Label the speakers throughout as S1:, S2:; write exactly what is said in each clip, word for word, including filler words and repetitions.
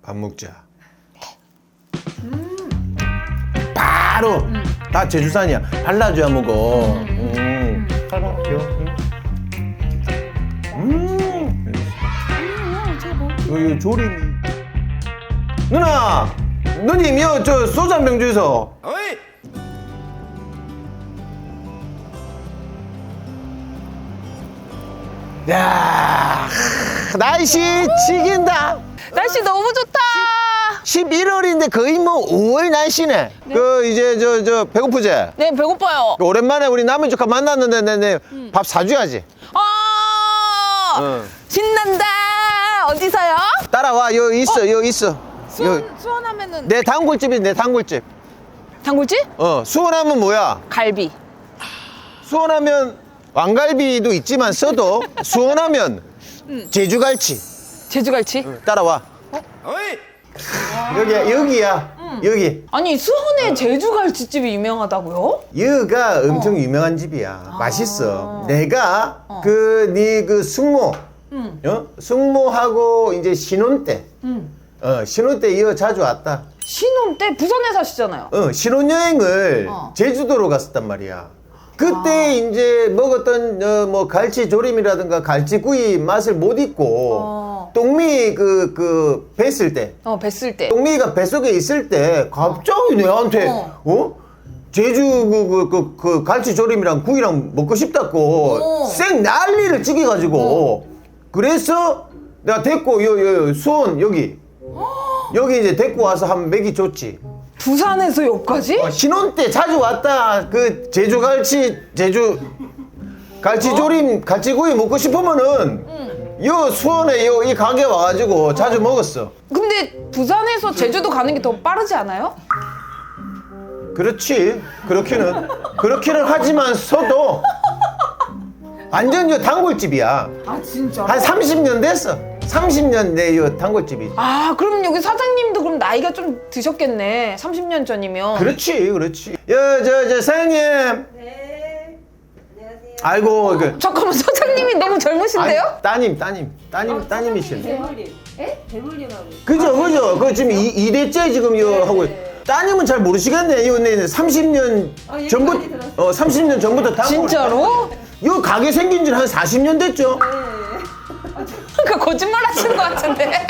S1: 밥 먹자. 음. 바로 음. 다 제주산이야. 발라줘야 먹어. 음. 음. 음. 요, 요 조림이. 누나, 누님 요 저 소주 한 병 주이소. 어이. 야, 날씨 지긴다.
S2: 날씨 너무 좋다.
S1: 십일월인데 거의 뭐 오월 날씨네. 네. 그 이제 저 저 배고프지?
S2: 네, 배고파요.
S1: 오랜만에 우리 남은 조카 만났는데 내, 내 음. 밥 사줘야지.
S2: 아,
S1: 응.
S2: 신난다. 어디서요?
S1: 따라와. 여 있어,
S2: 어?
S1: 여 있어.
S2: 수원,
S1: 여.
S2: 수원하면은
S1: 내 단골집이 내 단골집.
S2: 단골집?
S1: 어, 수원하면 뭐야?
S2: 갈비.
S1: 수원하면 왕갈비도 있지만 써도 수원하면
S2: 음.
S1: 제주갈치.
S2: 제주갈치?
S1: 응, 따라와. 어? 어이. 여기야, 여기야. 음. 여기.
S2: 아니, 수원에 제주갈치집이 유명하다고요?
S1: 여기가 엄청 어. 유명한 집이야. 아. 맛있어. 내가 어. 그 네 그 숙모, 음. 어? 숙모하고 이제 신혼 때, 음. 어 신혼 때 이어 자주 왔다.
S2: 신혼 때 부산에 사시잖아요.
S1: 어 신혼여행을
S2: 어.
S1: 제주도로 갔었단 말이야. 그때
S2: 아.
S1: 이제 먹었던 어, 뭐 갈치조림이라든가 갈치구이 맛을 못 잊고
S2: 어.
S1: 똥미 그 그 뵀을 때,
S2: 어 뵀을 때,
S1: 똥미가 뱃속에 있을 때 갑자기 내한테 어, 어? 제주 그 그 그 그 갈치조림이랑 구이랑 먹고 싶다고
S2: 어.
S1: 쌩 난리를 찍어가지고
S2: 어.
S1: 그래서 내가 데리고 요, 요 수원 여기 여기 이제 데리고 와서 한 먹이 줬지.
S2: 부산에서 여기까지?
S1: 어, 신혼 때 자주 왔다. 그 제주 갈치 제주 갈치조림 어? 갈치구이 먹고 싶으면은 응. 요 수원에 요 이 가게 와가지고 어. 자주 먹었어.
S2: 근데 부산에서 제주도 가는 게 더 빠르지 않아요?
S1: 그렇지. 그렇기는 그렇기는 하지만 서도 완전 요 단골집이야.
S2: 아 진짜?
S1: 한 삼십 년 됐어. 삼십 년 내 요 단골집이지.
S2: 아 그럼 여기 사장님도 그럼 나이가 좀 드셨겠네. 삼십 년 전이면.
S1: 그렇지, 그렇지. 여, 저, 저, 사장님.
S3: 네. 안녕하세요.
S1: 아이고,
S2: 어,
S1: 그.
S2: 잠깐만 사장님이 너무 젊으신데요?
S1: 아니, 따님, 따님. 따님, 따님이시네.
S3: 대물림. 에? 대물림하고.
S1: 그죠, 그죠. 그 지금 이, 이 대째 지금 요 하고. 따님은 잘 모르시겠네. 요, 네, 삼십 년
S3: 아, 얘기
S1: 전부터.
S3: 많이 들었어요.
S1: 어, 삼십 년 전부터 단골.
S2: 진짜로?
S1: 요 가게 생긴 지는 한 사십 년 됐죠?
S2: 그러니까 거짓말 하시는 것 같은데.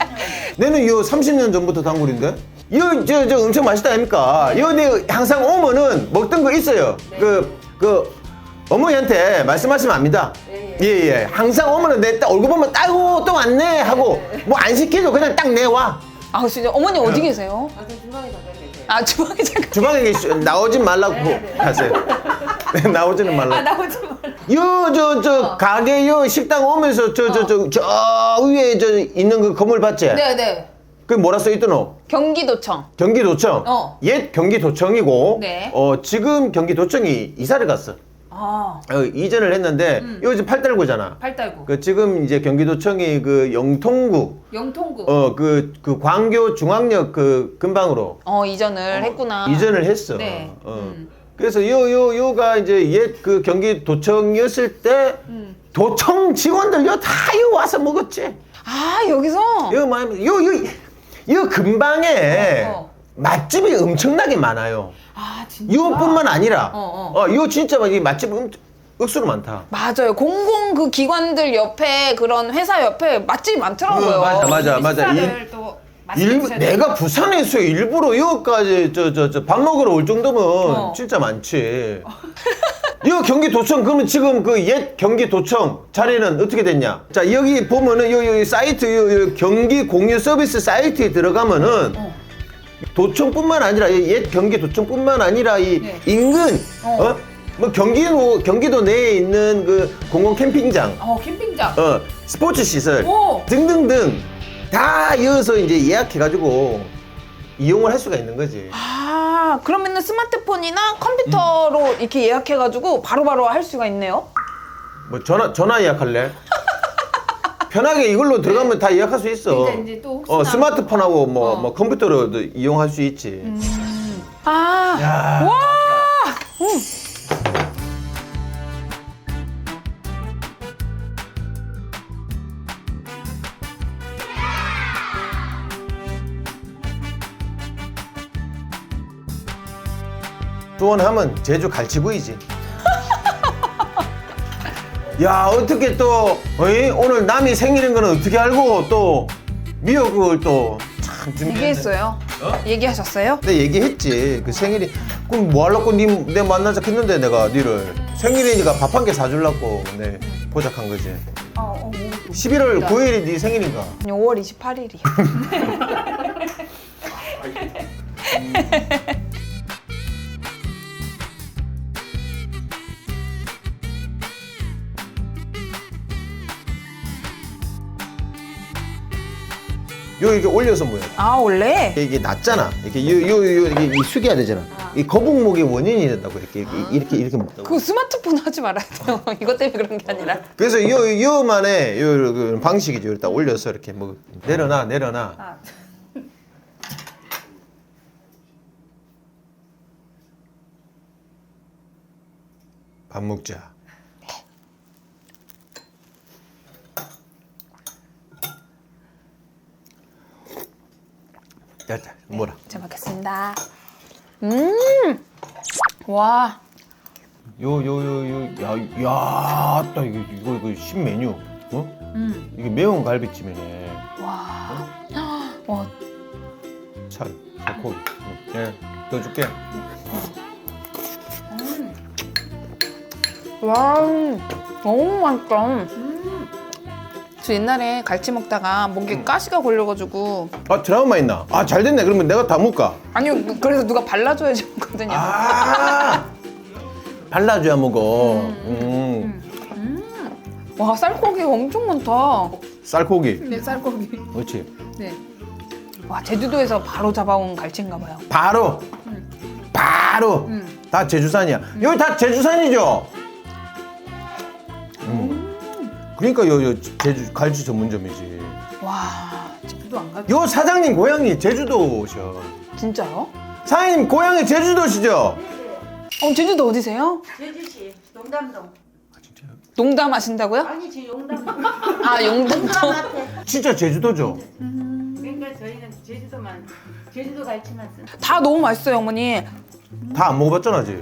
S1: 내는 요 삼십 년 전부터 단골인데? 요, 저, 저 엄청 맛있다 아닙니까? 요, 내 항상 오면은 먹던 거 있어요.
S3: 네.
S1: 그, 그, 어머니한테 말씀하시면 압니다.
S3: 네.
S1: 예, 예. 항상 오면은 내 딱 얼굴 보면 따고 또 왔네 하고 뭐 안 시켜도 그냥 딱 내와.
S2: 아 진짜 어머니 어디 계세요?
S3: 아, 저 주방에 잠깐 계세요.
S2: 아 주방에 잠깐.
S1: 주방에 계시, 나오진 말라고
S3: 네, 네.
S1: 하세요. 네, 나오지는 말라고.
S2: 아 나오지 마.
S1: 요, 저, 저,
S2: 어.
S1: 가게 요 식당 오면서 저, 저, 저, 저 위에 저 있는 그 건물 봤지?
S2: 네네.
S1: 그게 뭐라 써 있더노?
S2: 경기도청.
S1: 경기도청.
S2: 어.
S1: 옛 경기도청이고,
S2: 네.
S1: 어, 지금 경기도청이 이사를 갔어.
S2: 아
S1: 어, 이전을 했는데,
S2: 음.
S1: 이거 지금 팔달구잖아.
S2: 팔달구.
S1: 그 지금 이제 경기도청이 그 영통구,
S2: 영통구.
S1: 어, 그, 그 광교 중앙역 그 근방으로
S2: 어 이전을 했구나.
S1: 이전을 했어.
S2: 네.
S1: 어.
S2: 음.
S1: 그래서 요, 요, 요가 이제 옛 그 경기도청이었을 때,
S2: 음.
S1: 도청 직원들 요 다 요 와서 먹었지.
S2: 아 여기서.
S1: 요, 뭐, 요, 요, 요 근방에
S2: 어, 어.
S1: 맛집이 엄청나게 많아요.
S2: 아 진짜.
S1: 요뿐만 아니라,
S2: 어,
S1: 어,
S2: 어.
S1: 요 진짜 막 이 맛집 음, 억수로 많다.
S2: 맞아요. 공공 그 기관들 옆에 그런 회사 옆에 맛집이 많더라고요.
S1: 어, 맞아, 맞아, 맞아.
S2: 식사를 또 맛있게
S1: 일,
S2: 드셔야
S1: 내가
S2: 돼요.
S1: 부산에서 일부러 여기까지 저, 저, 저 밥 먹으러 올 정도면
S2: 어.
S1: 진짜 많지. 이 경기도청, 그러면 지금 그 옛 경기도청 자리는 어떻게 됐냐? 자, 여기 보면은 요, 요 사이트, 요, 요 경기 공유 서비스 사이트에 들어가면은
S2: 어.
S1: 도청뿐만 아니라 옛 경기도청뿐만 아니라 이
S2: 네.
S1: 인근,
S2: 어.
S1: 어? 뭐 경기도, 경기도 내에 있는 그 공공 캠핑장,
S2: 어 캠핑장.
S1: 어, 스포츠 시설
S2: 오.
S1: 등등등 다 이어서 이제 예약해가지고 이용을 할 수가 있는 거지.
S2: 아 그러면은 스마트폰이나 컴퓨터로
S1: 음.
S2: 이렇게 예약해가지고 바로바로 할 수가 있네요.
S1: 뭐 전화 전화 예약할래? 편하게 이걸로 들어가면 다 예약할 수 있어.
S2: 이제 이제 또 혹시나
S1: 어, 스마트폰하고 뭐,
S2: 어.
S1: 뭐 컴퓨터로도 이용할 수 있지.
S2: 아
S1: 야.
S2: 와. 음.
S1: 수원하면 제주 갈치구이지. 야, 어떻게 또 어이? 오늘 남이 생일인 거는 어떻게 알고 또 미역을 또 참 준비했네.
S2: 얘기했어요? 얘기하셨어요?
S1: 내가 얘기했지. 그 생일이 그럼 뭐 하려고 니, 내 만나자 했는데 내가 니를 생일이니까 밥 한 개 사주려고 내 포작한 거지.
S2: 어, 어, 뭐.
S1: 십일월 구일이 네 생일인가?
S2: 아니, 오월 이십팔일이요.
S1: 요 이게 올려서 뭐야?
S2: 아, 원래?
S1: 이게 낮잖아. 이렇게 요 요 요 이게 이 숙여야 되잖아. 이 거북목의 원인이 된다고 이렇게 이렇게 이렇게, 이렇게 먹다고.
S2: 그 스마트폰 하지 말아야 돼요. 이것 때문에 그런 게 아니라.
S1: 그래서 요 요만의 요, 그 방식이죠. 일단 올려서 이렇게 뭐 내려놔 내려놔.
S2: 아.
S1: 밥 먹자. 됐다. 뭐라?
S2: 잘 먹겠습니다. 음! 와.
S1: 요 요 요 요 야 야, 딱 이거 이거 이거 신메뉴. 어?
S2: 음.
S1: 이게 매운 갈비찜이네.
S2: 와. 와.
S1: 살, 살코기. 응. 예, 더 줄게.
S2: 와. 너무 맛있다. 저 옛날에 갈치 먹다가 목에 가시가 걸려가지고
S1: 아, 트라우마 있나? 아, 잘 됐네. 그러면 내가 다 먹을까?
S2: 아니요 그래서 누가 발라줘야지 먹거든요.
S1: 아, 발라줘야 먹어. 음.
S2: 와 쌀고기가 엄청 많다.
S1: 쌀고기.
S2: 네 쌀고기.
S1: 그렇지.
S2: 네. 와 제주도에서 바로 잡아온 갈치인가 봐요.
S1: 바로. 바로.
S2: 음.
S1: 다 제주산이야. 여기 다 제주산이죠? 음. 그러니까 요, 요 제주 갈치 전문점이지.
S2: 와 제주도 안 가?
S1: 요 사장님 고향이 제주도셔.
S2: 진짜요?
S1: 사장님 고향이 제주도시죠?
S2: 어 제주도 어디세요?
S3: 제주시 용담동.
S1: 아, 진짜요?
S2: 농담하신다고요?
S3: 아니 지 용담동.
S2: 아 용담동.
S3: 용담한테.
S1: 진짜 제주도죠?
S3: 그러니까 저희는 제주도만 제주도 갈치만 쓴.
S2: 다 너무 맛있어요 어머니.
S1: 다 안 먹어봤잖아, 지.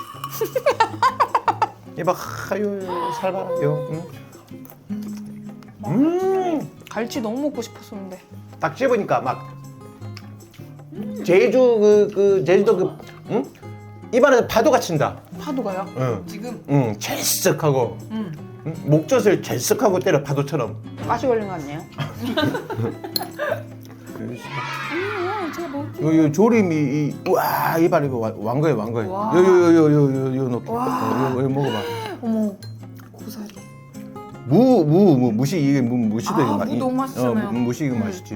S1: 이봐, 하요, 살봐라, 요. 응? 음,
S2: 갈치 너무 먹고 싶었었는데.
S1: 딱 씹으니까 막 제주 그, 그 제주도 그, 응? 입안에서 파도가 친다.
S2: 파도가요?
S1: 응,
S2: 지금
S1: 응, 찰싹하고,
S2: 음
S1: 응? 목젖을 찰싹하고 때려 파도처럼.
S2: 가시 걸린 거 같네요. 음, 제가 뭐
S1: 요, 요 조림이 이, 와 입안에 이거 왕- 왕거에 왕거에.
S2: 와.
S1: 요요요요요요 넣고.
S2: 와.
S1: 어, 요, 요 먹어봐.
S2: 어머 고사리.
S1: 무, 무, 무, 무시 이게 무, 무시도
S2: 아,
S1: 이거
S2: 무
S1: 이-
S2: 너무 맛있잖아요.
S1: 어, 무시 이거
S2: 음.
S1: 맛있지.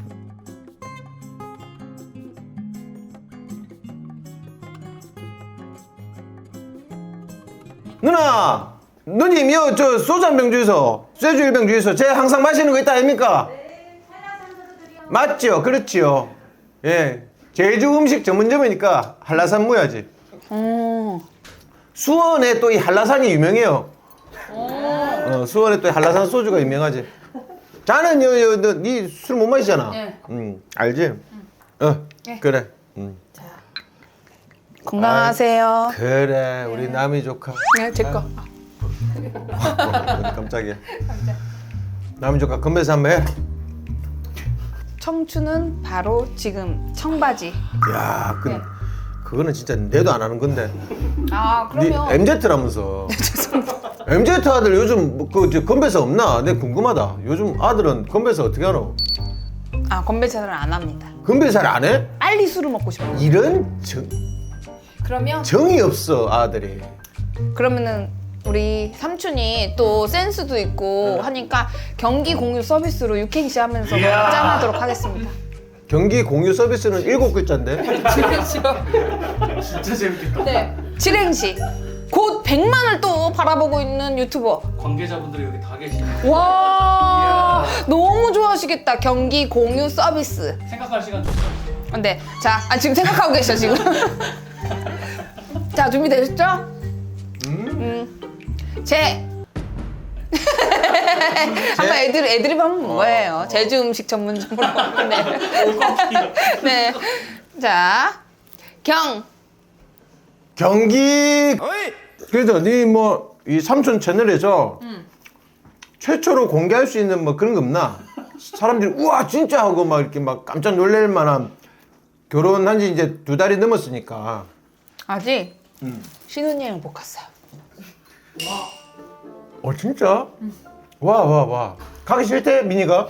S1: 누나, 누님 이거 저 소주 한 병 주이소. 소주 일 병 주이소. 제 항상 마시는 거 있다 아닙니까? 맞죠, 그렇지요. 예, 제주 음식 전문점이니까 한라산 무야지.
S2: 어.
S1: 수원에 또 이 한라산이 유명해요. 어, 수원에 또 이 한라산 소주가 유명하지. 자는 요요너니술 못 마시잖아.
S2: 네.
S1: 응, 알지? 어,
S2: 네.
S1: 그래. 응.
S2: 건강하세요.
S1: 그래, 우리 남이 조카.
S2: 네, 제 거.
S1: 어, 깜짝이야. 남이 조카 건배사 한번 해.
S2: 청춘은 바로 지금 청바지.
S1: 야, 그,
S2: 네.
S1: 그거는 진짜 내도 안 하는 건데.
S2: 아
S1: 니
S2: 그러면
S1: 엠제트라면서. 엠제트 아들 요즘 뭐 그 저 건배사 없나? 내가 궁금하다. 요즘 아들은 건배사 어떻게 하노?
S2: 아 건배차를 안 합니다.
S1: 건배사를 안 해?
S2: 빨리 술을 먹고 싶어요.
S1: 이런 정,
S2: 그러면
S1: 정이 없어 아들이.
S2: 그러면은 우리 삼촌이 또 센스도 있고 하니까 경기 공유 서비스로 육행시 하면서 짠하도록 하겠습니다.
S1: 경기 공유 서비스는 일곱 글자인데.
S4: 진짜 재밌겠다.
S2: 네. 칠행시. 곧 백만을 또 바라보고 있는 유튜버.
S4: 관계자분들이 여기 다 계시네.
S2: 와 너무 좋아하시겠다. 경기 공유 서비스.
S4: 생각할 시간 줬어.
S2: 네. 자, 아, 지금 생각하고 계셔 지금. 자 준비되셨죠? 음. 제. 한번 애들 애드립 하면 뭐예요? 제주 음식 전문점으로. 네. 네. 자, 경.
S1: 경기 그래도 니 뭐 이 삼촌 채널에서 최초로 공개할 수 있는 뭐 그런 거 없나? 사람들이 우와 진짜 하고 막 이렇게 막 깜짝 놀랄 만한 결혼한 지 이제 두 달이 넘었으니까.
S2: 아직 신혼여행 못 갔어요.
S1: 어 진짜? 와 와 와. 가기 싫대 미니가?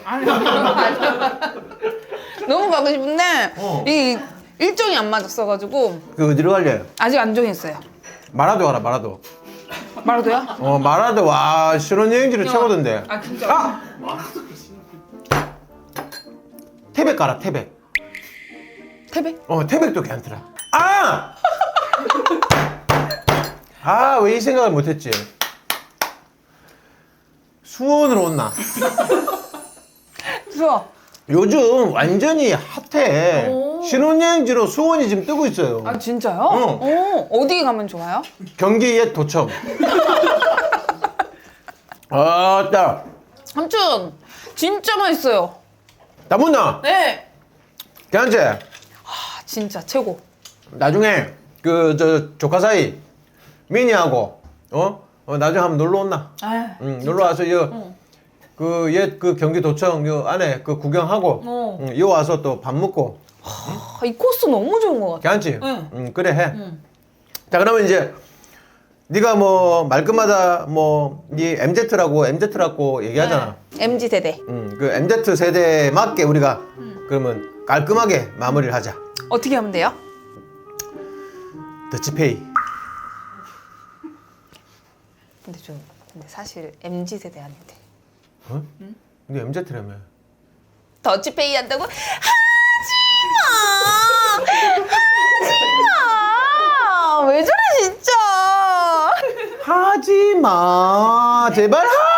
S2: 너무 가고 싶은데
S1: 어.
S2: 이 일정이 안 맞았어가지고
S1: 그 어디로 갈래?
S2: 아직 안 정했어요.
S1: 마라도 가라 마라도.
S2: 말해도요?
S1: 어 마라도 와 신혼여행지로 최고던데.
S2: 아 진짜?
S1: 아! 태백 가라 태백.
S2: 태백?
S1: 어 태백도 괜찮더라. 아! 아 왜 이 생각을 못했지? 수원으로 온나?
S2: 수업.
S1: 요즘 완전히 핫해.
S2: 오.
S1: 신혼여행지로 수원이 지금 뜨고 있어요.
S2: 아 진짜요?
S1: 어.
S2: 어. 어디 가면 좋아요?
S1: 경기 옛 도청. 아따.
S2: 삼촌 진짜 맛있어요.
S1: 나 못나?
S2: 네.
S1: 괜찮지?
S2: 아 진짜 최고.
S1: 나중에 그 저 조카 사이 미니하고 어? 어 나중에 한번 놀러 온나?
S2: 아,
S1: 응, 놀러 와서
S2: 어.
S1: 그옛 그 경기도청 요 안에 그 구경하고
S2: 어.
S1: 응, 요 와서 또 밥 먹고
S2: 아, 이 코스 너무 좋은 것 같아.
S1: 괜찮지?
S2: 응.
S1: 응, 그래 해.
S2: 응.
S1: 자 그러면 이제 네가 뭐 말끝마다 뭐네 엠제트라고 엠제트라고 얘기하잖아.
S2: 엠지 세대.
S1: 음, 그 엠제트 세대에 맞게 우리가 그러면 깔끔하게 마무리를 하자.
S2: 어떻게 하면 돼요?
S1: 더치페이.
S2: 근데 저 근데 사실 엠지 세대 아닌데.
S1: 어? 근데 엠제트라며.
S2: 더치페이 한다고? 하지마! 하지마! 왜 저래 진짜?
S1: 하지 마. 제발 하.